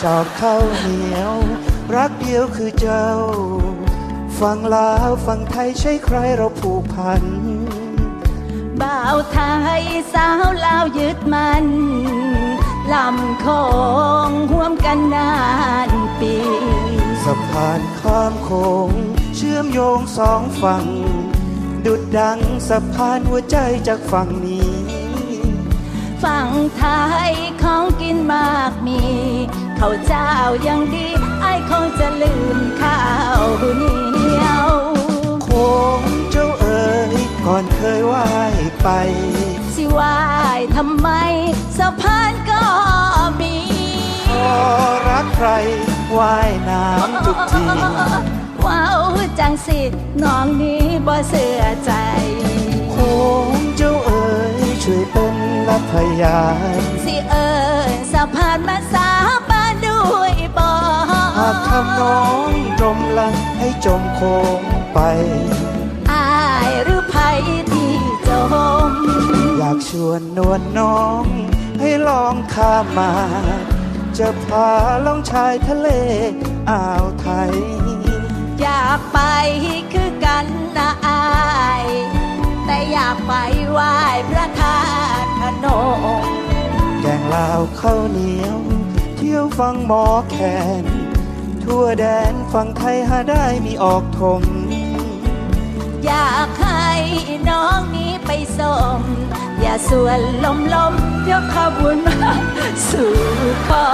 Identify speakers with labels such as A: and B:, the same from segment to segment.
A: อบข้าวเหนียวรักเดียวคือเจ้าฟังลาวฟังไทยใช่ใครเราผูกพัน
B: บ่าวไทยสาวลาวยึดมันลำโคงห่วมกันนานปี
A: สะพานข้ามโขงเชื่อมโยงสองฝั่งดุจดังสะพานหัวใจจากฝั่งนี้
B: ฝั่งไทยของกินมากมีข้าวเจ้ายังดีไอ้คงจะลืมข้าวเหนียว
A: โค้งเจ้าเอ๋ยก่อนเคยว่ายไป
B: สิว่ายทำไมสะพานก็มี
A: พอรักใครว่ายน้ำทุกที
B: ว้าวจังสิน้องนี้บ่เสื่อใจ
A: โค้งเจ้าเอ๋ยช่วยเป็นรับพยาน
B: สิสะพานมาสาบานด้วยบ่
A: หากทำน้องจมละให้จมโค้งไป
B: อายหรือภัยที่จม
A: อยากชวนนวลน้องให้ลองข้ามมาจะพาล่องชายทะเลอ่าวไทย
B: อยากไปคือกันนะอายแต่อยากไปไหว้พระธาตุพนม
A: แกงลาวข้าวเหนียวเที่ยวฟังหมอแคนทั่วแดนฝั่งไทยหาได้มีออกทง
B: อยากให้น้องนี้ไปส่งอย่าส่วนลมยกขบวนมาสู่ขอ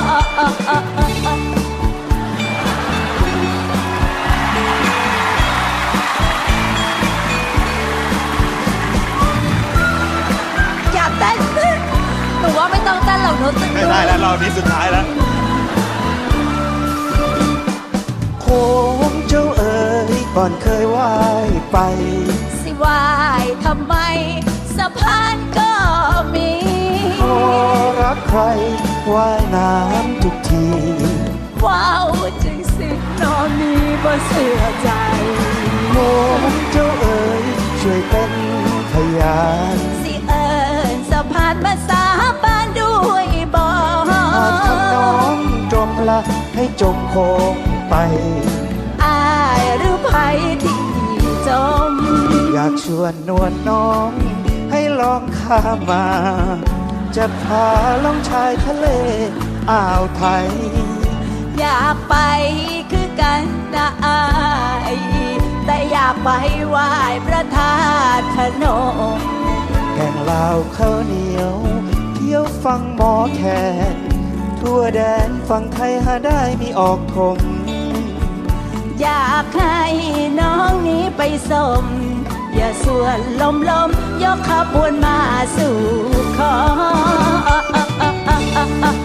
B: อย่าเต้นหนูว่าไม่ต้องเต้นหรอกหนูตึง
C: ไม่ได้แล้วรอบนี้สุดท้ายแล้ว
A: โค้งเจ้าเอ๋ยก่อนเคยว่ายไป
B: สิว่ายทำไมสะพานก็มี
A: พอรักใครว่ายน้ำทุกที
B: ว้าวจริงสิน้องนี้บ่เสื่อใจ
A: โค้งเจ้าเอ๋ยช่วยเป็นพยาน
B: สิสะพานมาสาบานด้วยบ่
A: หากทำน้องจมละให้จมโค้งไป
B: อายหรือภัยที่จม
A: อยากชวนนวลน้องให้ลองข้ามมาจะพาล่องชายทะเลอ่าวไทย
B: อยากไปคือกันนะอายแต่อยากไปไหว้พระธาตุพนม
A: แกงลาวข้าวเหนียวเที่ยวฟังหมอแคนทั่วแดนฝั่งไทยหาได้มีออกทง
B: อยากให้น้องนี้ไปส่งอย่าส่วนลมยกขบวนมาสู่ขอ